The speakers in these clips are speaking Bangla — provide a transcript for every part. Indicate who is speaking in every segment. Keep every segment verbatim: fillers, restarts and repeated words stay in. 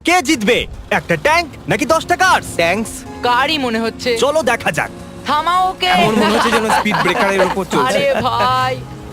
Speaker 1: কে জিতবে, একটা ট্যাঙ্ক নাকি দশটা কার্স?
Speaker 2: ট্যাঙ্কস।
Speaker 3: কারই মনে হচ্ছে।
Speaker 1: চলো দেখা যাক।
Speaker 3: থামাও ওকে।
Speaker 2: এমন মনে হচ্ছে যেন স্পিড ব্রেকারের উপর চলছে।
Speaker 3: আরে ভাই,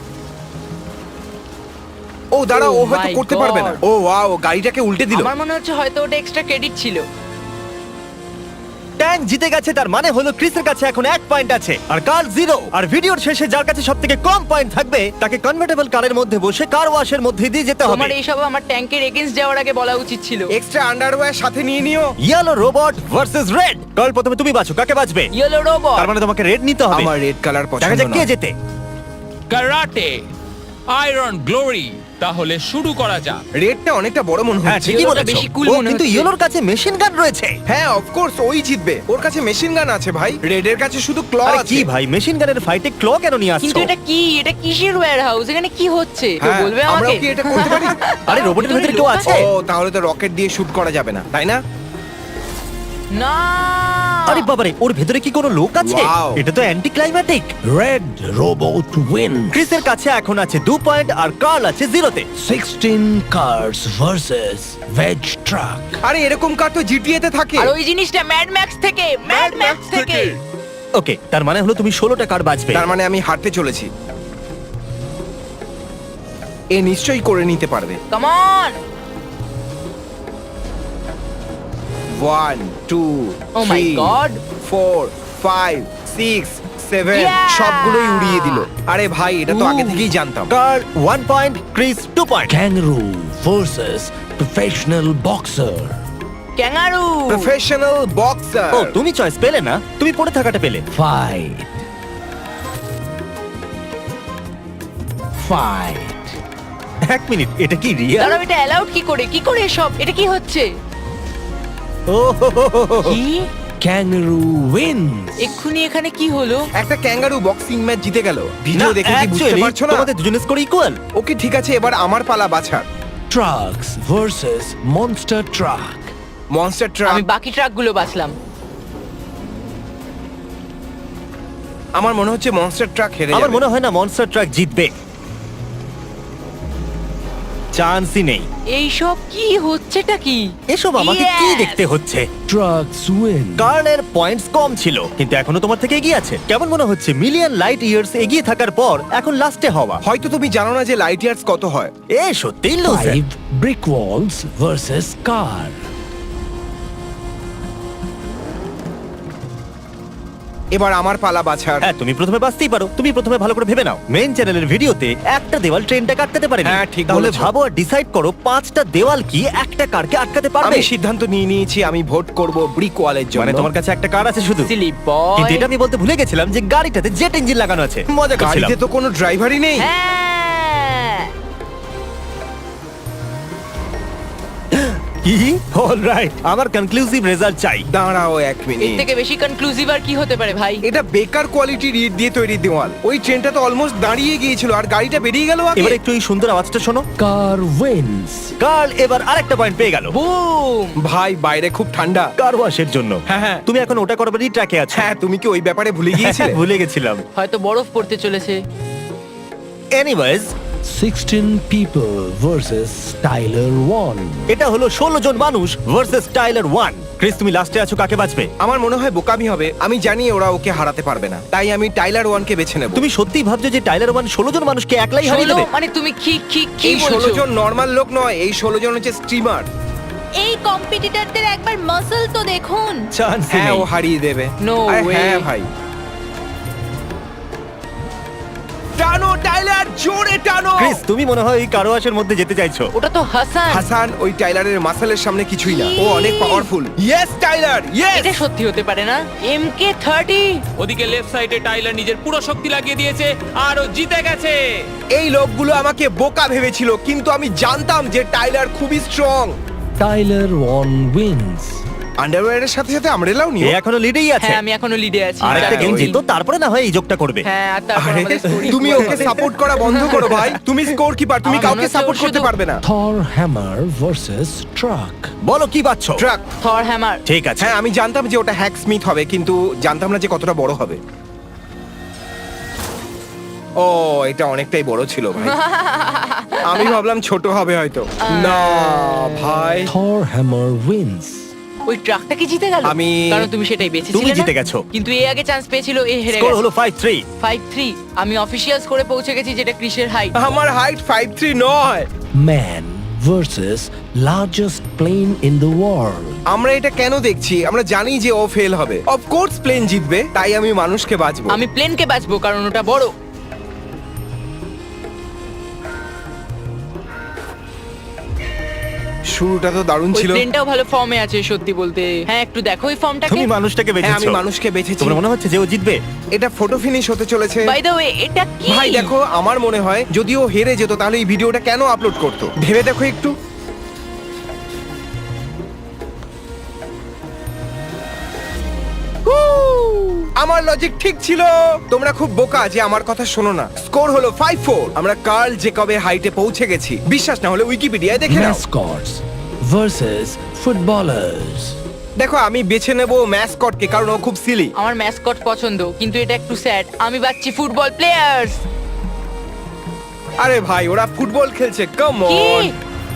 Speaker 2: ও দাঁড়াও, ও
Speaker 3: Oh
Speaker 2: হয়তো
Speaker 3: my
Speaker 2: করতে পারবে না।
Speaker 3: God.
Speaker 2: ও ওয়াও, গাড়িটাকে উল্টে দিল।
Speaker 3: আমার মনে হচ্ছে হয়তো ওটা এক্সট্রা ক্রেডিট ছিল।
Speaker 1: ট্যাঙ্ক জিতে গেছে, তার মানে হলো ক্রিসের কাছে এখন এক পয়েন্ট আছে আর কার জিরো। আর ভিডিওর শেষে যার কাছে সবথেকে কম পয়েন্ট থাকবে তাকে কনভার্টেবল কারের মধ্যে বসে কার ওয়াশের মধ্যে দিয়ে যেতে হবে।
Speaker 3: তোমার এইসব আমার ট্যাঙ্কের এগেইনস্ট যাওয়ার আগে বলা উচিত ছিল।
Speaker 2: এক্সট্রা আন্ডারওয়্যার সাথে নিয়ে নিও।
Speaker 1: Yellow robot versus red. কাল প্রথমে তুমি বাছো, কাকে বাঁচবে?
Speaker 3: Yellow robot.
Speaker 1: তার মানে তোমাকে রেড নিতে হবে।
Speaker 2: আমার রেড কালার
Speaker 1: দেখা
Speaker 2: পছন্দ
Speaker 1: যাক কে
Speaker 2: না।
Speaker 1: জেতে।
Speaker 4: Karate, iron glory. তাহলে শুরু করা যাক।
Speaker 2: রেডটা অনেকটা বড় মনে
Speaker 1: হ্যাঁ
Speaker 2: হচ্ছে।
Speaker 1: ঠিকই
Speaker 3: ইয়েলোটা
Speaker 1: বলেছো।
Speaker 3: বেশি cool
Speaker 1: ও
Speaker 3: মনে
Speaker 1: কিন্তু
Speaker 3: হচ্ছে।
Speaker 1: ইয়েলোর কাছে মেশিন গান রয়েছে।
Speaker 2: হ্যাঁ অফ কোর্স ওই জিতবে। ওর কাছে মেশিন গান আছে ভাই। রেডের কাছে শুধু ক্ল
Speaker 1: আরে
Speaker 2: আছে।
Speaker 1: কি ভাই, মেশিন গানের ফাইটে ক্ল কেন নিয়ে
Speaker 3: কিন্তু
Speaker 1: আসছো?
Speaker 3: এটা কি? এটা কিসের ওয়্যার হাউস? এখানে কি হচ্ছে? কেউ
Speaker 2: হ্যাঁ,
Speaker 3: বলবে
Speaker 2: আমরাও
Speaker 3: আমাকে?
Speaker 2: কি এটা করতে পারি?
Speaker 1: আরে রোবটের ভেতরে কেউ আছে?
Speaker 2: ও তাহলে তো রকেট দিয়ে শুট করা যাবে না, তাই না?
Speaker 3: না।
Speaker 1: আরে বাবারে, ওর ভেতরে কি কোনো লোক আছে?
Speaker 2: Wow.
Speaker 1: এটা তো anticlimactic.
Speaker 5: Red Robot wins.
Speaker 1: ক্রিসের কাছে এখন আছে দু পয়েন্ট আর কার্ল আছে জিরোতে।
Speaker 5: sixteen cars versus Veg Truck.
Speaker 2: আরে এরকম কার তো জিটিএ তে থাকে।
Speaker 3: আর ওই জিনিসটা ম্যাড ম্যাক্স থেকে, ম্যাড ম্যাক্স থেকে।
Speaker 1: ওকে, তার মানে হলো তুমি ষোলোটা কার বাজবে।
Speaker 2: তার মানে আমি হারতে চলেছি। এ নিশ্চয়ই করে নিতে পারবে।
Speaker 3: Come on.
Speaker 2: One two
Speaker 3: Oh my God.
Speaker 2: Four five six seven
Speaker 3: Yeah!
Speaker 2: সবগুলোই উড়িয়ে দিল। আরে ভাই এটা তো আগে
Speaker 3: Ooh.
Speaker 2: থেকেই জানতাম।
Speaker 1: Carl one point, Chris two point.
Speaker 5: Kangaroo versus Professional Boxer.
Speaker 3: Kangaroo.
Speaker 2: Professional boxer.
Speaker 1: ও তুমি চয়েস পেলে না, তুমি পড়ে থাকাটা পেলে।
Speaker 5: Fight. Fight.
Speaker 1: এক মিনিট, এটা কি রিয়াল?
Speaker 3: দাঁড়াও, এটা অ্যালাউড কি করে? কি করে সব? এটা কি হচ্ছে?
Speaker 1: ও হো হো হো হো।
Speaker 3: কি?
Speaker 5: Kangaroo wins.
Speaker 3: এক্ষুনি এখানে কি হলো?
Speaker 2: একটা ক্যাঙ্গারু বক্সিং ম্যাচ জিতে গেল। ভিডিও
Speaker 1: না,
Speaker 2: দেখে কি বুঝতে
Speaker 1: actually,
Speaker 2: পারছো না?
Speaker 1: তোমাদের দুজনের স্কোর ইকুয়াল।
Speaker 2: ওকে ঠিক আছে, এবার আমার পালা বাছার।
Speaker 5: Trucks versus Monster Truck.
Speaker 2: Monster truck.
Speaker 3: আমি বাকি ট্রাকগুলো বাছলাম।
Speaker 2: আমার মনে হচ্ছে মনস্টার ট্রাক হেরে
Speaker 1: আমার
Speaker 2: যাবে।
Speaker 1: মনে হয় না মনস্টার ট্রাক জিতবে, চান্সই নেই।
Speaker 3: এইসব কি হচ্ছেটা কি?
Speaker 1: এসব আমাকে কি
Speaker 3: Yes!
Speaker 1: দেখতে হচ্ছে?
Speaker 5: Trucks win.
Speaker 1: কার্লের পয়েন্টস কম ছিল কিন্তু এখনো তোমার থেকে এগিয়ে আছে। কেমন মনে হচ্ছে মিলিয়ন লাইট ইয়ার্স এগিয়ে থাকার পর এখন লাস্টে হওয়া?
Speaker 2: হয়তো তুমি জানো না যে লাইট ইয়ার্স কত হয়।
Speaker 1: এ সত্যিই loser.
Speaker 5: Five brick walls versus car.
Speaker 2: এবার আমার পালা বাছার।
Speaker 1: হ্যাঁ, তুমি প্রথমে বাঁচতেই পারো। তুমি প্রথমে ভালো করে ভেবে নাও। মেইন চ্যানেলের ভিডিওতে একটা দেওয়াল ট্রেনটা কাটতে পারেনি।
Speaker 2: হ্যাঁ, ঠিক
Speaker 1: তাহলে
Speaker 2: বলেছো।
Speaker 1: ভাবো আর ডিসাইড করো পাঁচটা দেওয়াল কি একটা কারকে আটকাতে পারবে?
Speaker 2: আমি সিদ্ধান্ত নিয়ে নিয়েছি, আমি ভোট করব ব্রিক ওয়ালের জন্য।
Speaker 1: মানে তোমার কাছে একটা কার আছে শুধু?
Speaker 3: Silly boy.
Speaker 1: কিন্তু এটা আমি বলতে ভুলে গেছিলাম যে গাড়িটাতে জেট ইঞ্জিন লাগানো আছে। মজা করছিলাম।
Speaker 2: গাড়িতে তো কোনো ড্রাইভারই নেই।
Speaker 3: হ্যাঁ।
Speaker 1: কি? অলরাইট, আমার কনক্লুসিভ রেজাল্ট চাই।
Speaker 2: দাঁড়াও এক
Speaker 3: এর
Speaker 2: মিনিট।
Speaker 3: থেকে বেশি কনক্লুসিভ আর কি হতে পারে ভাই?
Speaker 2: এটা বেকার কোয়ালিটির ইট দিয়ে তৈরি দেওয়াল। ওই ট্রেনটা তো অলমোস্ট দাঁড়িয়ে গিয়েছিল আর গাড়িটা বেরিয়ে গেল আগে।
Speaker 1: এবার একটু এই সুন্দর আওয়াজটা শোনো।
Speaker 5: Car wins.
Speaker 1: কার্ল এবার আরেকটা পয়েন্ট পেয়ে গেল
Speaker 3: বুম।
Speaker 2: ভাই বাইরে খুব ঠান্ডা।
Speaker 1: কার ওয়াশের জন্য।
Speaker 2: হ্যাঁ, হ্যাঁ।
Speaker 1: তুমি এখন ওটা করবারই ট্র্যাকে আছো।
Speaker 2: হ্যাঁ, তুমি কি ওই ব্যাপারে ভুলে গিয়েছিলে?
Speaker 1: ভুলে গেছিলাম।
Speaker 3: হয়তো বরফ পড়তে চলেছে।
Speaker 1: Anyways,
Speaker 5: sixteen people versus Tyler one.
Speaker 1: এটা হলো ষোলো জন মানুষ ভার্সেস টাইলার ওয়ান। ক্রিস, তুমি লাস্টে আছো, কাকে বাঁচবে?
Speaker 2: আমার মনে হয় বোকামি হবে। আমি জানি ওরা ওকে হারাতে পারবে না, তাই আমি টাইলার ওয়ানকে বেছে নেব।
Speaker 1: তুমি সত্যিই ভাবছো যে টাইলার ওয়ান ষোলো জন মানুষকে একলাই হারিয়ে
Speaker 3: ষোলো?
Speaker 1: দেবে?
Speaker 3: মানে তুমি কি কি কি
Speaker 2: এই ষোলো
Speaker 3: বলছো?
Speaker 2: জন নর্মাল লোক নয়, এই ষোলো জন হচ্ছে স্ট্রিমার।
Speaker 6: এই কম্পিটিটরদের একবার মাসল তো দেখুন।
Speaker 1: চান্স
Speaker 2: হ্যাঁ,
Speaker 1: নেই।
Speaker 2: ও হারিয়ে দেবে।
Speaker 3: No
Speaker 2: আরে
Speaker 3: way.
Speaker 2: হ্যাঁ ভাই। টানো টাইলার, জোরে টানো।
Speaker 1: ক্রিস, তুমি মনে হয় এই কার ওয়াশের মধ্যে যেতে চাইছো।
Speaker 3: ওটা তো হাসান।
Speaker 2: হাসান ওই টাইলারের মাসলের সামনে কিছুই না। ও অনেক পাওয়ারফুল। Yes Tyler, yes.
Speaker 3: এটা সত্যি হতে পারে না। M K thirty.
Speaker 4: ওদিকে লেফট সাইডে টাইলার নিজের পুরো শক্তি লাগিয়ে দিয়েছে আর ও জিতে গেছে।
Speaker 2: এই লোকগুলো আমাকে বোকা ভেবেছিল, কিন্তু আমি জানতাম যে টাইলার খুবই স্ট্রং।
Speaker 5: Tyler one wins.
Speaker 2: আন্ডারওয়্যারের সাথে সাথে আমরেলাও
Speaker 1: এ
Speaker 2: নিও।
Speaker 1: এখনো লিডেই আছে।
Speaker 3: হ্যাঁ, আমি এখনো লিডে আছি।
Speaker 1: আরেকটা
Speaker 2: হ্যাঁ,
Speaker 1: গেম
Speaker 2: ওই-
Speaker 1: জিতো, তারপরে না হয় এই যোগটা করবে।
Speaker 3: হ্যাঁ, আর তারপর
Speaker 2: আরে,
Speaker 3: আমাদের story
Speaker 2: তুমি
Speaker 3: পুরো
Speaker 2: ওকে
Speaker 3: হবে।
Speaker 2: সাপোর্ট করা বন্ধ করো ভাই। তুমি স্কোর কিপার, তুমি
Speaker 3: আমার মনে
Speaker 2: কাউকে
Speaker 3: হচ্ছে
Speaker 2: সাপোর্ট
Speaker 3: ও
Speaker 2: করতে
Speaker 3: শুধু-
Speaker 2: পারবে না।
Speaker 5: Thor hammer versus truck.
Speaker 1: বলো কি বাঁচছো?
Speaker 2: ট্রাক।
Speaker 3: থর হ্যামার।
Speaker 1: ঠিক আছে।
Speaker 2: হ্যাঁ, আমি জানতাম যে ওটা হ্যাক স্মিথ হবে, কিন্তু জানতাম না যে কতটা বড় হবে। ও এটা অনেকটাই বড় ছিল ভাই। আমি ভাবলাম ছোট হবে হয়তো। না ভাই,
Speaker 5: Thor hammer wins.
Speaker 3: ওই ট্রাকটা কি জিতে গেল?
Speaker 2: আমি-
Speaker 3: কারণ তুমি সেটাই বেঁচেছিলে
Speaker 1: তুমি
Speaker 3: না?
Speaker 1: জিতে গেছো।
Speaker 3: কিন্তু এ আগে চান্স পেয়েছিল, এ হেরে
Speaker 1: স্কোর
Speaker 3: গেছে।
Speaker 1: হলো ফাইভ থ্রি।
Speaker 3: Five three. আমি অফিশিয়ালস করে পৌঁছে গেছি যেটা ক্রিসের হাইট।
Speaker 2: আমার হাইট ফাইভ থ্রি নয়।
Speaker 5: Man versus largest plane in the world.
Speaker 2: আমরা এটা কেন দেখছি? আমরা জানি যে ও ফেল হবে। অফকোর্স প্লেন জিতবে, তাই আমি মানুষকে বাঁচবো।
Speaker 3: আমি প্লেনকে বাঁচবো কারণ ওটা বড়।
Speaker 2: শুরুটা তো দারুণ
Speaker 3: ওই
Speaker 2: ছিল।
Speaker 3: প্লেনটাও ভালো ফর্মে আছে সত্যি বলতে। হ্যাঁ একটু দেখো ওই ফর্মটাকে।
Speaker 1: তুমি মানুষটাকে
Speaker 2: হ্যাঁ
Speaker 1: বেঁচেছো।
Speaker 2: আমি মানুষকে বেঁচেছি।
Speaker 1: তোমার মনে হচ্ছে যে ও জিতবে?
Speaker 2: এটা ফটো ফিনিশ হতে চলেছে।
Speaker 3: বাই দ্য ওয়ে এটা কি?
Speaker 2: ভাই দেখো, আমার মনে হয় যদি ও হেরে যেত তাহলে এই ভিডিওটা কেন আপলোড করতো ভেবে দেখো একটু। আমার লজিক ঠিক ছিল। তোমরা খুব বোকা যে আমার কথা শোনো না। স্কোর হলো ফাইভ ফোর। আমরা কার্ল জেকবের হাইটে পৌঁছে গেছি। বিশ্বাস না হলে উইকিপিডিয়ায় দেখে নাও।
Speaker 5: Mascots versus footballers.
Speaker 2: দেখো আমি বেছে নেব ম্যাসকটকে কারণ ও খুব সিলি।
Speaker 3: আমার ম্যাসকট পছন্দ কিন্তু এটা একটু স্যাড। আমি বাচ্চি ফুটবল প্লেয়ার্স।
Speaker 2: আরে ভাই ওরা ফুটবল খেলছে, কাম
Speaker 3: কি?
Speaker 2: অন।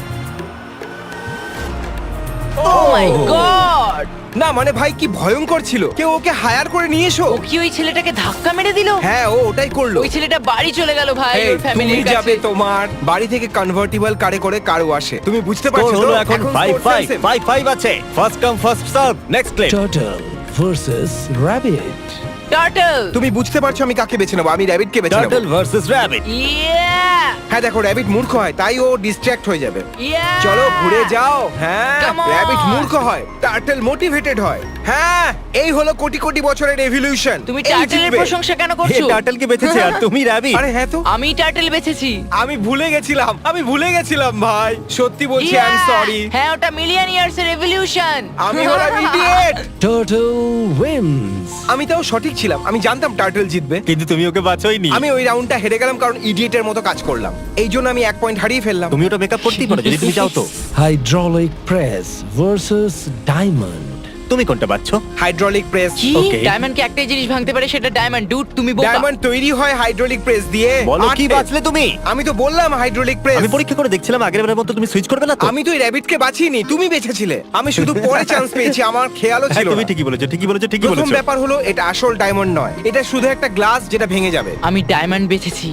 Speaker 3: Oh my God!
Speaker 2: না মানে ভাই কি ভয়ঙ্কর ছিল। কেউ ওকে হায়ার করে নিয়ে এসো।
Speaker 3: ও কি ওই ছেলেটাকে ধাক্কা মেরে দিল?
Speaker 2: হ্যাঁ ও ওটাই করলো।
Speaker 3: ওই ছেলেটা বাড়ি চলে গেল ভাই
Speaker 2: এই,
Speaker 3: ওর ফ্যামিলির
Speaker 2: তুমি যাবে
Speaker 3: কাছে।
Speaker 2: তোমার বাড়ি থেকে কনভার্টিবল কারে করে কারও আসে। তুমি বুঝতে
Speaker 1: স্কোর
Speaker 2: পারছো তো?
Speaker 1: হলো এখন five
Speaker 2: score
Speaker 1: five.
Speaker 2: same.
Speaker 1: Five five আছে। First come first serve. Next play.
Speaker 5: Turtle versus rabbit.
Speaker 3: Turtle.
Speaker 2: তুমি বুঝতে পারছো আমি কাকে বেছে নেবো? আমি র্যাবিটকে বেছে নেবো।
Speaker 1: Turtle versus rabbit.
Speaker 3: ইয়া!
Speaker 2: হ্যাঁ দেখো র্যাবিট মূর্খ হয় তাই ও ডিস্ট্র্যাক্ট হয়ে যাবে।
Speaker 3: ইয়া!
Speaker 2: চলো ঘুরে যাও। হ্যাঁ
Speaker 3: Come on!
Speaker 2: র্যাবিট মূর্খ হয়, টার্টল মোটিভেটেড হয়। হ্যাঁ এই হলো কোটি কোটি বছরের এভলিউশন।
Speaker 3: তুমি টার্টলের প্রশংসা কেন
Speaker 1: হে
Speaker 3: করছো?
Speaker 1: টার্টলকে বেঁচেছে আর তুমি র‍্যাবিট।
Speaker 2: আরে হ্যাঁ তো,
Speaker 3: আমি টার্টল বেছেছি।
Speaker 2: আমি ভুলে গেছিলাম। আমি ভুলে গেছিলাম ভাই, সত্যি বলছি আই এম
Speaker 3: Yeah!
Speaker 2: সরি।
Speaker 3: হ্যাঁ ওটা মিলিয়ন ইয়ার্স এর এভলিউশন।
Speaker 2: আমি হলাম ইডিয়েট।
Speaker 5: Turtle wins.
Speaker 2: আমি তাও সঠিক ছিলাম। আমি জানতাম টার্টল জিতবে।
Speaker 1: কিন্তু তুমি ওকে বাঁচোইনি।
Speaker 2: আমি ওই রাউন্ডটা হেরে গেলাম কারণ ইডিয়েটের মতো কাজ করলাম। এই জন্য আমি এক পয়েন্ট হারিয়ে ফেললাম।
Speaker 1: তুমি ওটা মেকআপ করতেই পারো যদি তুমি চাও তো।
Speaker 5: Hydraulic press versus diamond.
Speaker 1: তুমি কোনটা বাঁচছো?
Speaker 2: Hydraulic press.
Speaker 3: কি?
Speaker 1: Okay.
Speaker 3: ডায়মন্ডকে একটাই জিনিস ভাঙতে পারে সেটা ডায়মন্ড। ডুড তুমি বোকা।
Speaker 2: ডায়মন্ড তৈরি হয় হাইড্রোলিক প্রেস দিয়ে।
Speaker 1: বলো কি
Speaker 2: আটে।
Speaker 1: বাঁচলে তুমি?
Speaker 2: আমি তো বললাম হাইড্রোলিক প্রেস।
Speaker 1: আমি পরীক্ষা করে দেখছিলাম আগের বারের মতো তুমি সুইচ করবে না তো?
Speaker 2: আমি তো এই র‍্যাবিটকে বাঁচিনি, তুমি বেঁচেছিলে। আমি শুধু পরে চান্স পেয়েছি, আমার খেয়ালও
Speaker 1: হ্যাঁ
Speaker 2: ছিল
Speaker 1: তুমি
Speaker 2: না।
Speaker 1: ঠিকই বলেছো, ঠিকই বলেছো, ঠিকই
Speaker 2: প্রথম
Speaker 1: বলেছো।
Speaker 2: ব্যাপার হলো এটা আসল ডায়মন্ড নয়, এটা শুধু একটা গ্লাস যেটা ভেঙে যাবে।
Speaker 3: আমি ডায়মন্ড বেছেছি।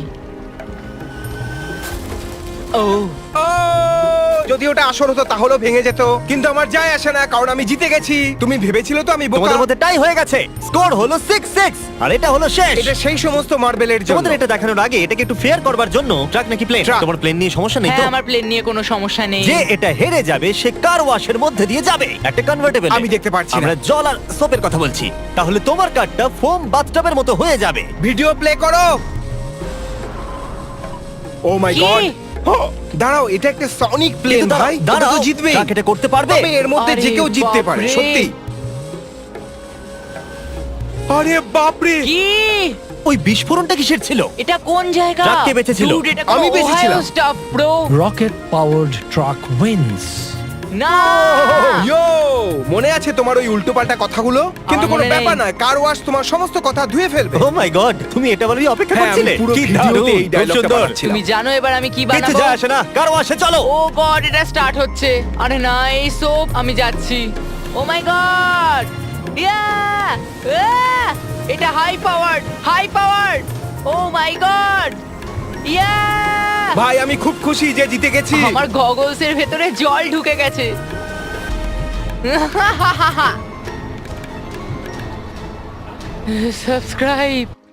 Speaker 3: ও
Speaker 2: ও, যদি ওটা আসল হতো তাহলেও ভেঙে যেত, কিন্তু আমার যায় আসে না কারণ আমি জিতে গেছি। তুমি ভেবেছিলে তো আমি বোকা?
Speaker 1: তোমাদের মধ্যে টাই হয়ে গেছে। স্কোর হলো সিক্স সিক্স আর এটা হলো শেষ।
Speaker 2: এটা সেই সমস্ত মার্বেলের জন্য।
Speaker 1: তোমাদের এটা দেখানোর আগে এটাকে একটু ফেয়ার করবার জন্য ট্রাক নাকি প্লেন?
Speaker 2: ট্রাক।
Speaker 1: তোমার প্লেন নিয়ে সমস্যা নেই তো?
Speaker 3: হ্যাঁ আমার প্লেন নিয়ে কোনো সমস্যা নেই।
Speaker 1: যে এটা হেরে যাবে সে কার ওয়াশের মধ্যে দিয়ে যাবে একটা কনভার্টেবল।
Speaker 2: আমি দেখতে পারছি না।
Speaker 1: আমরা জল আর সোপের কথা বলছি। তাহলে তোমার কারটা ফোম বাথটবের মতো হয়ে যাবে।
Speaker 2: ভিডিও প্লে করো। ও মাই
Speaker 3: কি?
Speaker 2: গড, দাঁড়াও, এটা একটা সনিক প্লেন
Speaker 1: কিন্তু
Speaker 2: ভাই।
Speaker 1: দাঁড়াও,
Speaker 2: ওটা তো
Speaker 1: দাঁড়াও,
Speaker 2: জিতবে।
Speaker 1: ট্রাক এটা করতে পারবে?
Speaker 2: তবে এর মধ্যে যে
Speaker 3: আরে
Speaker 2: কেউ জিততে পারে,
Speaker 3: বাপরে।
Speaker 2: সত্যি। আরে বাপরে,
Speaker 3: কি?
Speaker 1: ওই বিস্ফোরণটা কিসের ছিল?
Speaker 3: এটা কোন জায়গা?
Speaker 1: ট্রাক কে বেঁচেছিল?
Speaker 3: Dude, এটা
Speaker 2: আমি
Speaker 3: কোনো
Speaker 2: বেঁচেছিলাম।
Speaker 3: Ohio stuff, bro।
Speaker 5: Rocket powered truck wins.
Speaker 3: না।
Speaker 2: ইয়ো, মনে আছে তোমার ওই উল্টোপাল্টা কথাগুলো? কিন্তু কোনো
Speaker 3: মনে নেই।
Speaker 2: ব্যাপার না, কার ওয়াশ তোমার সমস্ত কথা ধুয়ে ফেলবে।
Speaker 1: ও মাই গড, তুমি এটা বলারই অপেক্ষা
Speaker 2: হ্যাঁ, আমি
Speaker 1: করছিলে?
Speaker 2: পুরো
Speaker 1: কি
Speaker 2: ভিডিওতে
Speaker 1: দারুণ,
Speaker 2: এই
Speaker 1: খুব
Speaker 2: ডায়লগটা
Speaker 1: সুন্দর।
Speaker 2: বানাচ্ছিলাম।
Speaker 3: তুমি জানো এবার আমি কি
Speaker 1: কিছু
Speaker 3: বানাবো?
Speaker 1: যায় আসে না, কার ওয়াশে চলো।
Speaker 3: ও গড, এটা স্টার্ট হচ্ছে। আরে না, এই সোপ, আমি যাচ্ছি। ও মাই গড, ইয়া, এটা high powered, high powered. Oh my God, yeah.
Speaker 2: ভাই আমি খুব খুশি যে জিতে গেছি।
Speaker 3: আমার গগলস এর ভেতরে জল ঢুকে গেছে। সাবস্ক্রাইব।